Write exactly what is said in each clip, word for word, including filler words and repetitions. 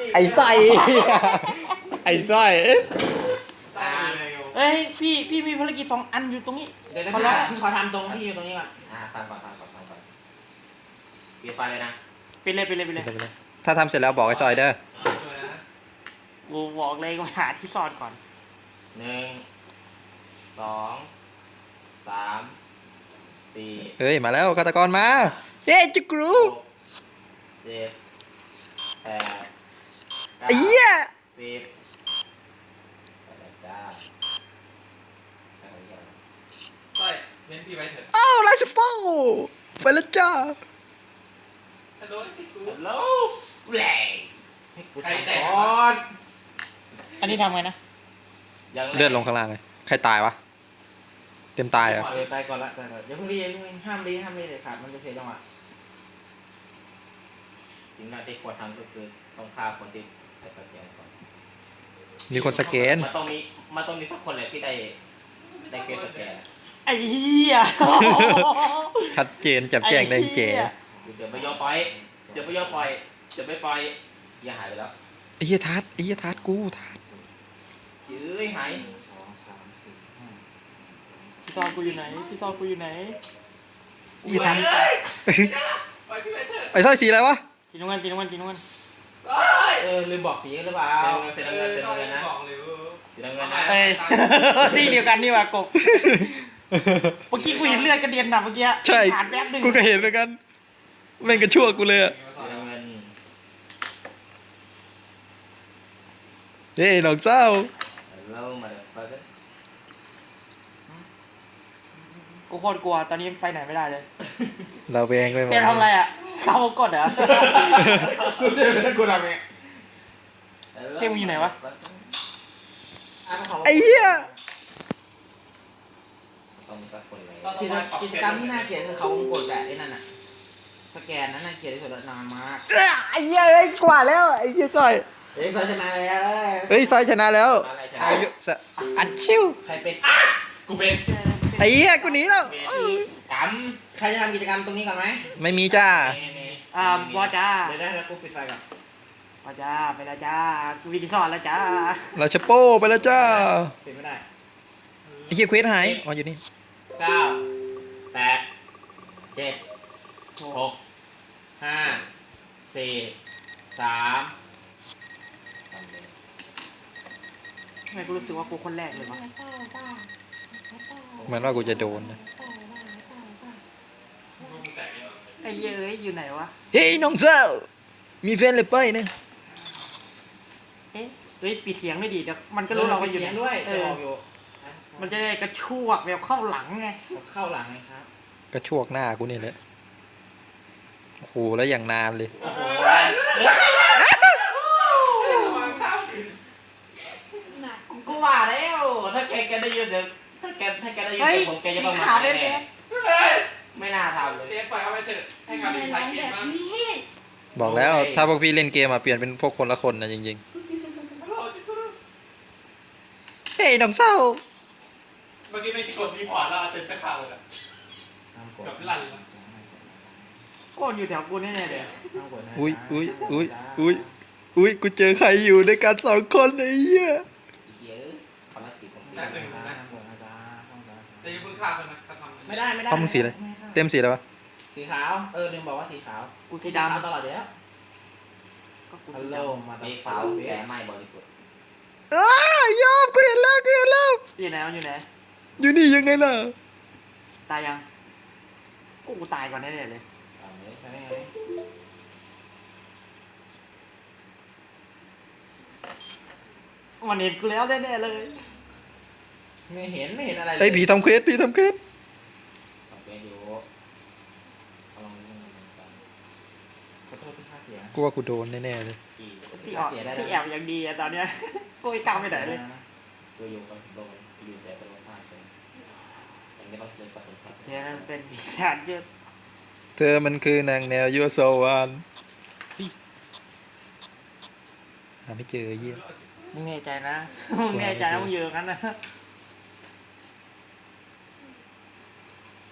ไอ้สร้อยไอ้สร้อยเฮ้ยพี่พี่มีภารกิจสองอันอยู่ตรงนี้เดี๋ยวนะขอพี่ร้องพี่ขอทำตรงที่อยู่ตรงนี้ก่อนอ่าฟังก่อนฟังก่อนฟังก่อนปิดไฟเลยนะไปเลยไปเลยไปเลยถ้าทำเสร็จแล้วบอกไอ้สร้อยเด้อกูบอกเลยก็หาที่ซ่อนก่อนหนึ่งสองสามสี่เฮ้ยมาแล้วฆาตกรมาเฮ้ยจิกรูหกเจ็ดแปดเก้าไอ้เหี้ยสิบไปแล้วจ้าไปแล้วจ้าใช่เน้นพี่ไว้เถอะอ้าวราชโป้ไปแล้วจ้าฮัลโหลที่กูฮัลโหลแหล่ให้กูทำก่อนอันนี้ทำไงนะยังเลือดลงข้างล่างเลยใครตายวะเต็มตายเหรอ่ะเออตายก่อนละตายก่อนอย่าเพิ่งรีอย่าเพิ่งรีห้ามรีห้ามรีเด็ดขาดมันจะเสียจังหวะสิ่งแรกที่ควรทำก็คือต้องฆ่าคนที่ไปสแกนก่อนมีคนสแกนมันต้องมีมันต้องมีสักคนเลยที่ได้ได้เกสสแกนไอ้เหี้ยชัดเจนแจ่มแจ้งแดงแจ๋เดี๋ยวไม่ยอมปล่อยเดี๋ยวไม่ยอมปล่อยเดี๋ยวไม่ปล่อยเฮียหายไปแล้วไอ้เหี้ยทัดไอ้เหี้ยทัดกูทัดชื่อหายหนึ่งสองสามสี่ห้าที่ซ่อนกูอยู่ไหนที่ซ่อนกูอยู่ไหนไอ้เหี้ยทัดไปพี่ไว้เถอะไอ้สร้อยสีอะไรวะสีน้ำเงินสีน้ำเงินสีน้ำเงินเออลืมบอกสีหรือเปล่าเป็นน้ำเงินเป็นน้ำเงินเป็นน้ำเงินนะบอกเลยว่าเป็นน้ำเงินนะเอ้ย ที่เดียวกันนี่ว่ะกบเมื่อกี้กูเห็นเลือดกระเด็นนะเมื่อกี้ใช่ผ่านแป๊บหนึงกูก็เห็นเหมือนกันแม่งกระชั่วกูเลยอะเป็นน้ำเงินเฮ้ยน้องเจ้าเรามาเดี๋ยวไปกันกูโคตรกลัวตอนนี้ไปไหนไม่ได้เลยเราแวงไปหมดเต้ทำอะไรอ่ะเข้ากดเหรอกูเดินไปกูทำเองเจ้มึงอยู่ไหนวะไอ้เหี้ยต้องมีสักคนเลยกิจกิจกรรมที่น่าเกลียดคือเขาวงกดแบบไอ้นั่นน่ะสแกนนั้นน่าเกลียดที่สุดแล้วนานมากไอ้เหี้ยไอ้กว่าแล้วไอ้เหี้ยสร้อยเฮ้ยซอยชนะแล้วเอ้ยเฮ้ยสร้อยชนะแล้วอะไรใช่อายุสะอัดชิวใครเป็นกูเป็นไอ้เหี้ยกูหนีแล้วกรรมใครจะทำกิจกรรมตรงนี้ก่อนไหมไม่มีจ้าอ่าบอจ้าเดี๋ยวได้แล้วกูปิดไฟก่อนบอจ้าไปแล้วจ้ากูวิดีซ่อนแล้วจ้าเราชะโป้ไปแล้วจ้าปิดไม่ได้ไอ้เหี้ยเควสหายอ๋ออยู่นี่เก้าแปดเจ็ดหกห้าสี่สามทำไมกูรู้สึกว่ากูคนแรกเลยวะเหมือนว่ากูจะโดนนะกูแตกเองไอ้เหี้ยเอ้ยอยู่ไหนวะเฮ้ยน้องเจ้ามีแฟนเลยไปเนี่ยเอ๊ะเฮ้ยปิดเสียงไม่ดีเดี๋ยวมันก็รู้เราก็อยู่เสีไหยนงด้วยเอจะอออกอยู่มันจะได้กระชวกแบบเข้าหลังไงเข้าหลังไงครับกระชวกหน้ากูนี่แหละโอ้โหแล้วอย่างนานเลยโอ้โหวางข้าวกูก็ว่าแล้วถ้าแกแกได้ยินเสียงถ้าแกถ้าแกได้ยินเฮ้ยเสียงผมแกจะประมาขาทเป็นแน่แบบเจ๊ปล่อยเอาไว้เถอะให้งานดีไทยกินมั้งบอกแล้วถ้าพวกพี่เล่นเกมอะเปลี่ยนเป็นพวกคนละคนนะจริงฮัลโหลจิ๊กกูๆเฮ้ยน้องเจ้าเมื่อกี้ไม่กดรีพอร์ตแล้วเต็มไปข่าวเลยอะ กับลั่นละโกนอยู่แถวกูแน่ๆเลยอุ้ยอุ้ยอุ้ยอุ้ยอุ้ยกูเจอใครอยู่ในการสองคนไอ้เหี้ยเดี๋ยวภารกิจของพี่นั่นหนึ่งนะแต่ยังเพิ่งฆ่าคนนะถ้าทำไม่ได้ไม่ได้เขามึงสีอะไรเต็มสีอะไรวะสีขาวเออลืมบอกว่าสีขาวกูสีขาวดำตลอดอยู่แล้วก็กูฮัสีลโหลดำมาสีขาวแต่ไม่บริสุทธิ์อ้ายอมกูเห็นแล้วกูเห็นแล้วอยู่ไหนมันอยู่ไหนอยู่นี่ยังไงล่ะตายยังกูกูตายก่อนแน่ๆเลยเอาเลยใช่ไงมันเห็นกูแล้วแน่ๆเลยไม่เห็นไม่เห็นอะไรเลยไอ้ผีทำเควสผีทำเควสทำเป็นอยู่เอาลองดูกันขอโทษที่ค่าเสียกูว่ากูโดนแน่ๆเลยกี่ที่ออกที่แอบอย่างดีอะตอนเนี้ย กูไม่กล้าไปไหนเลยตัวอยู่กับโดนอยู่เสียเป็นรสชาติเลยยังไม่ต้องเล่นประสบการณ์เดี๋ยวมันเป็นปีศาจเยอะเธอมันคือนางแมวยัวโซวานหาไม่เจอไอ้เหี้ยมึงแน่ใจนะ มึงแน่ใจนะมึงอยู่ตรงนั้นนะ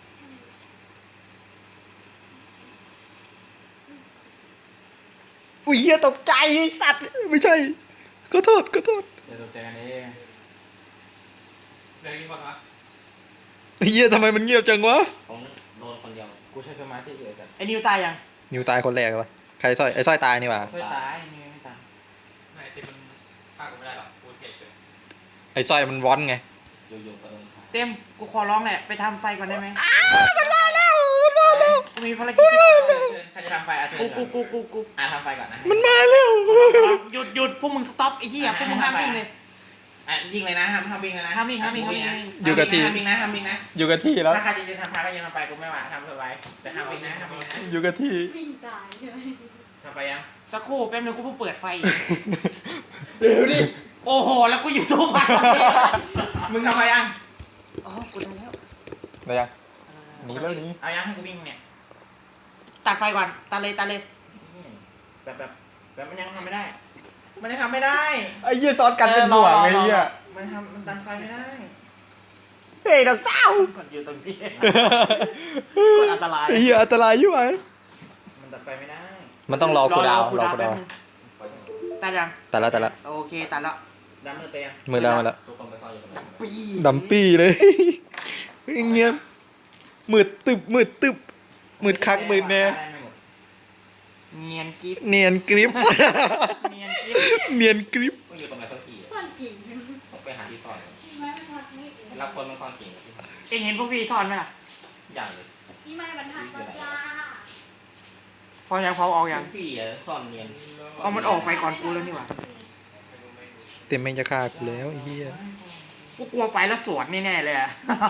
อุ้อุ้ยเฮียตกใจไอ้สัตว์ไม่ใช่ขอโทษขอโทษเดี๋ยวตกใจกันเองเดี๋ยวกี่คนวะไอ้เฮียทำไมมันเงียบจังวะผมโดนคนเดียวกูใช้สมาธิอยู่ไอ้สัตว์ไอ้นิวตายยังนิวตายคนแรกเลยวะใครสร้อยไอ้สร้อยตายนี่หว่าช่วยตายนิวไม่ตายไม่ที่มันฆ่ากูไม่ได้หรอกกูเจ็บเลยไอ้สร้อยมันวอนไงอยู่ๆก็โดนฆ่าเต็มกูขอร้องแหละไปทำไฟก่อนได้ไหมมันมาแล้วมันมาแล้วกูมีภารกิจที่ต้องทำใครจะทำไฟอาเชิญกูกูกูกูกูอ่ะทำไฟก่อนนะมันมาแล้วหยุดหยุดพวกมึงสต็อปไอ้เหี้ยพวกมึงห้ามวิ่งเลยอ่ะยิงเลยนะห้ามห้ามวิ่งเลยนะห้ามวิ่งห้ามวิ่งห้ามวิ่งอยู่กับที่ห้ามวิ่งนะห้ามวิ่งนะอยู่กับที่แล้วถ้าใครจะจะทำไฟก็ยังทำไฟกูไม่ว่าทำสบายแต่ห้ามวิ่งนะห้ามวิ่งนะอยู่กับที่วิ่งตายใช่ไหมทำไฟยังสักครู่แป๊บนึงกูเพิ่งเปิดไฟเดี๋ยวดิโอ้โหแล้วกูอยู่โซฟามึงทำไฟยังอ๋อกูได้แล้วได้ยัง หนีแล้วหนีเอายังให้กูวิ่งเนี่ยตัดไฟก่อนตัดเลยตัดเลยแบบแบบแบบมันยังทำไม่ได้ มันยังทำไม่ได้ไอ้เหี้ยซ้อนกันเป็นห่วงไอ้เหี้ยมันทำมันดันไฟไม่ได้เฮ้ยดอกเจ้าก่อนอยู่ตรงนี้กดอันตรายไอ้เหี้ยอันตรายอยู่ไหมมันดันไฟไม่ได้มันต้องรอคูลดาวน์คูลรอดาวคูน์ลแป๊ดาบวน์นึงตัดยังแต่ละแต่ละโอเคตัดแล้วดันมือไปยังมือแล้วมาแล้วทุกคนไปซ่อนอยู่ตรงนั้นปีดำปี้เลยเงียบมืดตึบมืดตึบมืดคักมืดแน่ได้ไม่หมดเนียนกิ๊บเนียนกริปเนียนกิ๊บเนียนกริปต้องอยู่ตรงไหนสักทีซ่อนกิ่งต้องไปหาที่ซ่อนพี่ไม้บรรทัดนี่รับคนมันซ่อนกิ่งเอ็งเห็นพวกพี่ทอนไหมล่ะอย่างเลยพี่ไม้บรรทัดมาจ้าพอยังพอออกยังพี่อะซ่อนเนียนเอามันออกไปก่อนกูแล้วนี่หว่าเต็มแม่งจะฆ่ากูแล้วไอ้เหี้ยกูกลัวไปแล้วสวนแน่ๆเลยอะ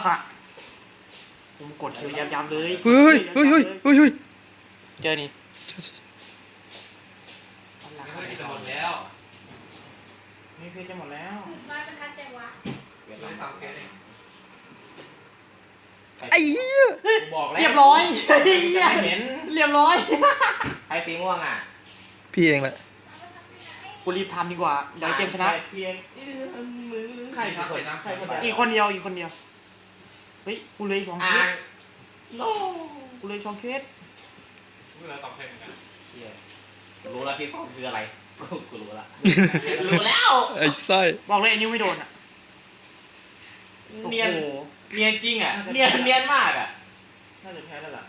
ผมกดคิวยำๆเลยเฮ้ยเฮ้ยเฮ้ยเฮ้ยเฮ้ยเจอนี่ไม่ค่อยกินจะหมดแล้วนี่เพชรจะหมดแล้วพี่ไม้บรรทัดจังวะไม่ได้สามเคสเองไอ้เหี้ยกูบอกแล้วเรียบร้อยจะไม่เห็นเรียบร้อยใครสีม่วงอ่ะพี่เองแหละกูรีบทำดีกว่าเดี๋ยวเกมชนะเพียงเอื้อมมือใครเป็นคนใครคนอีกคนเดียวอีกคนเดียว เฮ้ย กูเลยสองเคอ่าสนโลกูเลยสองเคสกูเหลือสองเคสเหมือนกันเหี้ยรู้แล้วที่ซ่อนคืออะไรกูกูรู้ละรู้แล้วไอ้ไส้บอกเลยไอ้นิ้วไม่โดนอ่ะเนียนโอ้โหเนียนจริงอ่ะเนียนเนียนมากอ่ะน่าจะแพ้แล้วล่ะ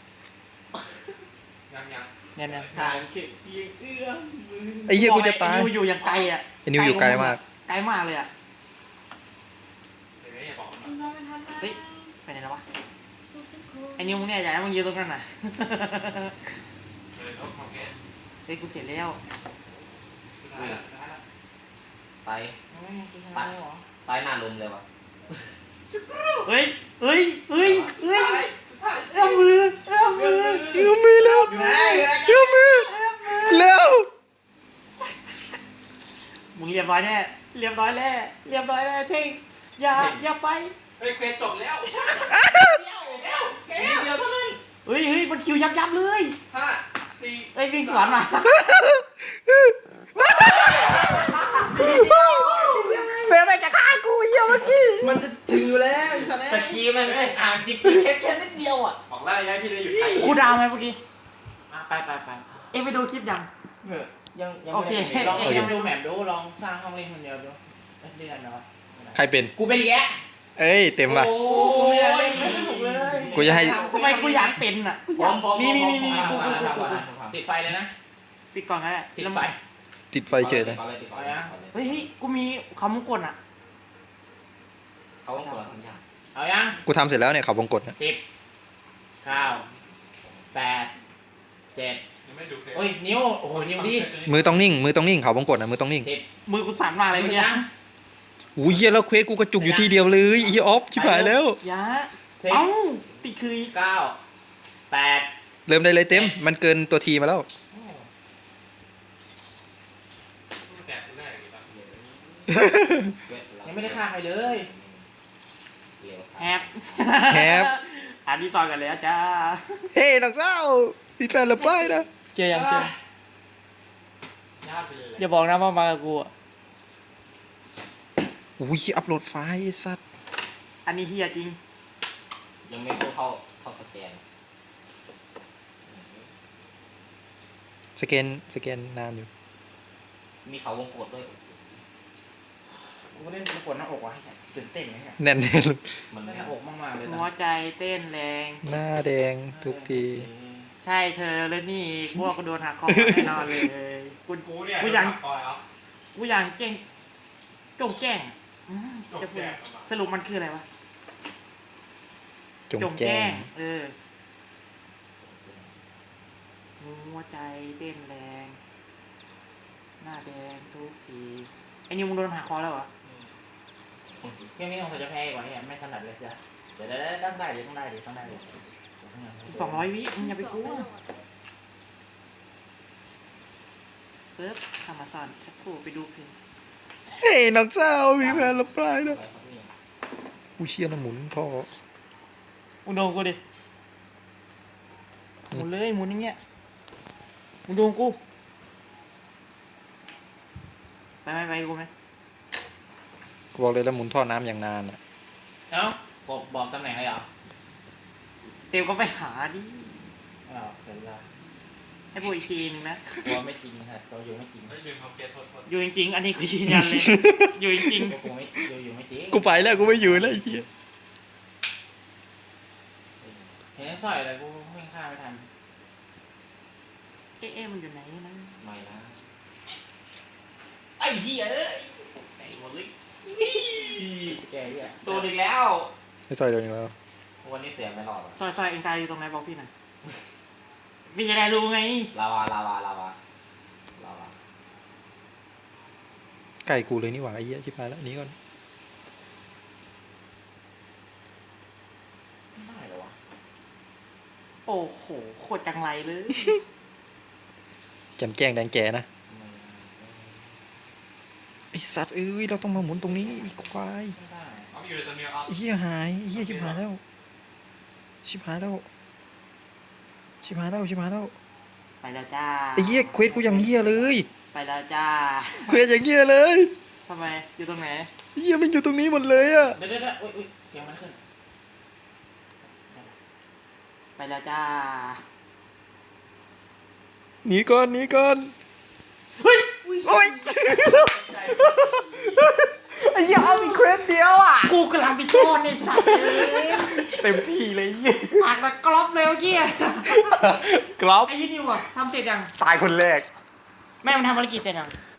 ยังยังเนี่ยเนี่ยทางเพียงเอื้อมมือไอ้เหี้ยกูจะตายไอ้นิ้วอยู่อย่างไกลอ่ะไอ้นิ้วอยู่ไกลมากไกลมากเลยอ่ะเดี๋ยวอย่าบอกมันพี่ไม้บรรทัดมาเฮ้ย ไปไหนแล้ววะทุกทุกคนไอ้นิ้วมึงเนี่ยอย่าให้มึงยืนตรงนั้นน่ะเลยลบสองเคสเฮ้ย กูเสร็จแล้วสุดท้ายละสุดท้ายละไปไปตายหน้าลุมเลยวะเฮ้ย เฮ้ย เฮ้ย เฮ้ย เอื้อมมือ เอื้อมมือเอื้อมมือแล้วอยู่ไหนอยู่ไหนเอื้อมมือแล้วมึงเรียบร้อยแน่ เรียบร้อยแน่ เรียบร้อยแน่เท่งอย่า อย่าไปเฮ้ยเควสจบแล้วนิดเดียวเท่านั้นเฮ้ยเฮ้ยมันคิวยับยับเลยห้าสี่เอ้ยวิ่งสวนมาเฟรมไปจะฆ่ากูเยี่ยเมื่อกี้มันจะถึงอยู่แล้วอีสันตะกี้มันเอ้ยอ่างจริงๆแค่แค่นิดเดียวอ่ะบอกแล้วย้ายพี่เลยอยู่ไทยกูดาวไหมเมื่อกี้อ่ะไปไปไปเอ็งไปดูคลิปยังเออยังยังโอเคไม่ได้ลองยังดูแมปดูลองสร้างห้องเล่นคนเดียวดูเล่นได้ไหมวะใครเป็นกูเป็นอีกแกเอ้ยเต็มว่ะโอ้ยไม่ไม่สนุกเลยกูจะให้ทำไมกูอยากเป็นอ่ะกูอยากมีมีมีมีกูกูกูกูติดไฟเลยนะปิดก่อนก็ได้ติดไฟติดไฟเฉยเลยเฮ้ยเฮ้ยกูมีคำมงกลอ่ะเขาต้องกดทำยากเอายังกูทำเสร็จแล้วเนี่ยเขาวงกดนะสิบเก้าแปดเจ็ดยังไม่ดูเคสโอ้ยนิ้วโอ้โหนิ้วดิมือต้องนิ่ง มือต้องนิ่งเขาวงกดนะมือต้องนิ่งสิบมือกูสั่นมากเลยเนี่ยอู้ยเหี้ยแล้วเควสกูกระจุกอยู่ที่เดียวเลยไอ้เหี้ยออฟชิบหายแล้วยาสิบเอ้าติดคืออีกเก้าแปดเริ่มได้เลยเต็ม มันเกินตัวทีมาแล้วแตกกูแน่อย่างงี้ป่ะยังไม่ได้ฆ่าใครเลยแฮปแฮปอ่านที่ซอยกันแล้วจ้าเฮ้ยน้องสาวมีแฟนหรือเปล่านะเจอยังเจอญาติไปเลยอย่าบอกนะว่ามากับกูอ่ะอุ้ยอัพโหลดไฟล์ไอ้สัตว์อันนี้เฮียจริงยังไม่สู้เข้าเข้าสแกนสแกนสแกนนานอยู่มีเขาวงกดด้วยกูเล่นประกวดหน้าอกว่ะตื่นเต้นไหมฮะแน่นมันหไม่น้าอกมากๆเลยหัวนะใจเต้นแรงหน้าแดงทุกทีใช่เธอแล้วนี่พวกกูโดนหักคอแน่นอนเลยกูกูเนี่ยกูอยากคอยเอากูอยากแจ้งจงแจ้งอืมจงจะพูดแจ้งสรุปมันคืออะไรวะจงแจ้งเออหัวใจเต้นแรง หน้าแดงทุกทีไอ้นิวมึงโดนหักคอแล้วเหรอแค่นี้คงจะแพ้กว่านี้ไม่ถนัดเลยจ้ะเดี๋ยวได้ต้องได้เดี๋ยวต้องได้เดี๋ยวต้องได้เลยอีกสองร้อยวิมึงอย่าไปกลัวปึ๊บทำมาสอนสักครู่ไปดูเพลงเฮ้ยน้องเจ้ามีแฟนรับปลายนะกูเชียร์นะหมุนพ่อมึงโดนกูดิหมุนเลยหมุนอย่างเงี้ยมึงโดนกูไปไหมไปกูไหมกูบอกเลยแล้วหมุนท่อน้ำอย่างนานอ่ะเอ้ากบบอกตำแหน่งเลยเหรอเต็มก็ไปหาดิไม่เอาเดี๋ยวเวลาให้พูดอีกทีนึงนะกลัวไม่จริงครับเราอยู่ไม่จริงไม่ลืมเอาเกตโทษโทษอยู่จริงๆ อันนี้กูยืนยันเลย อยู่จริงกลัวกูไม่อยู่อยู่ไม่จริงกูไปแล้วกูไม่อยู่แล้วไอ้เหี้ยเห็นสร้อยอะไรกูวิ่งข้ามไม่ทันๆเอ๊ะเอ๊ะมันอยู่ไหนนะไม่นะไอ้เหี้ยเอ้ยไอ้หัวลึกแกเหี้ยโดนอีกแล้วไอ้ซอยเดียวนี้แล้ววันนี้เสียงไม่รอดอ่ะซอยซอยเองตายอยู่ตรงไหนบอกพี่หน่อยพี่จะได้รู้ไงลาวาลาวาลาวาลาวาไก่กูเลยนี่หว่าไอ้เหี้ยชิบหายแล้วหนี้ก่อนไม่ได้เหรอวะโอ้โหโคตรจังไรเลยแจมแจ้งแดงแก่นะไม่ไอสัตว์เอ้ยเราต้องมาหมุนตรงนี้ไอีควายไม่ได้เอาไปอยู่ในตัวเมียเอาไอ้เหี้ยหายไอ้เหี้ยชิบหายแล้วชิบหายแล้วชิบหายแล้วชิบหายแล้วไปแล้วจ้าไอ้เหี้ยเควสกูอย่างเหี้ยเลยไปแล้วจ้าเควสอย่างเหี้ยเลยทำไมอยู่ตรงไหนไอ้เหี้ยมันอยู่ตรงนี้หมดเลยอะเดี๋ยวเดี๋ยวเดี๋ยวอุ้ยอุ้ยเสียงมันขึ้นไปแล้วจ้าหนีก่อนหนีก่อนเฮ้ยโอ้ยไอ้เหี้ยเอาอีกเควสเดียวอ่ะกูกำลังไปโชว์ในสัตว์เลยเต็มที่เลยไอ้เหี้ยปากตะกรอบเลยเมื่อกี้กรอบไอ้ยี่นิวอะทำเสร็จยังตายคนแรกแม่มันทำภารกิจเสร็จยัง